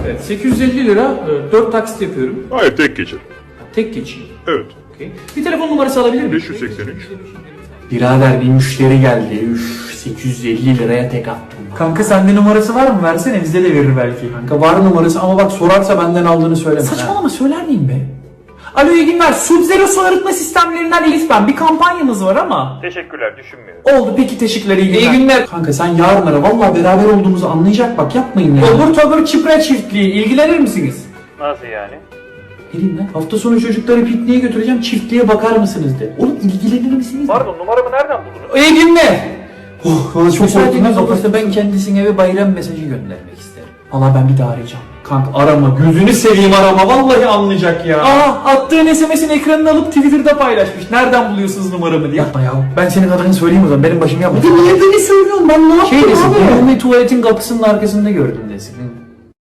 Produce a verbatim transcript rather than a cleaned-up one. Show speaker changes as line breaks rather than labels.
Evet, sekiz yüz elli lira, dört taksit yapıyorum.
Hayır, tek geçir.
Tek geçeyim.
Evet.
Okay. Bir telefon numarası alabilir miyim?
beş yüz seksen üç.
Birader bir müşteri geldi. Üf, sekiz yüz elli liraya tek attım.
Kanka sende numarası var mı? Versene bize de verir belki.
Kanka var numarası ama bak sorarsa benden aldığını söyleme.
Saçmalama söyler miyim be? Alo iyi günler. Sub-Zero su arıtma sistemlerinden Elif ben. Bir kampanyamız var ama.
Teşekkürler, düşünmüyorum.
Oldu peki teşekkürler iyi günler.
İyi günler. Kanka sen yarın ara. Vallahi beraber olduğumuzu anlayacak bak yapmayın ya.
Obur tobur çipre çiftliği. İlgilenir misiniz?
Nasıl yani?
Ne diyeyim lan? Hafta sonu çocukları pikniğe götüreceğim. Çiftliğe bakar mısınız de. Oğlum ilgilenir misiniz?
Pardon, numaramı nereden buldunuz?
İyi günler. Oh, valla çok
Müsaadeniz
korktum.
olursa
Olursa ben kendisine bir bayram mesajı göndermek isterim. Valla ben bir daha arayacağım. Kanka arama. Gözünü seveyim arama. Vallahi anlayacak ya.
Aa attığın S M S'in ekranını alıp Twitter'da paylaşmış. Nereden buluyorsunuz numaramı diye.
Yapma ya. Ben senin adını söyleyeyim o zaman. Benim başım yapma.
Niye beni söylüyorsun? Ben ne yaptım
Şey desin.
abi?
Ben tuvaletin kapısının arkasında gördüm desin.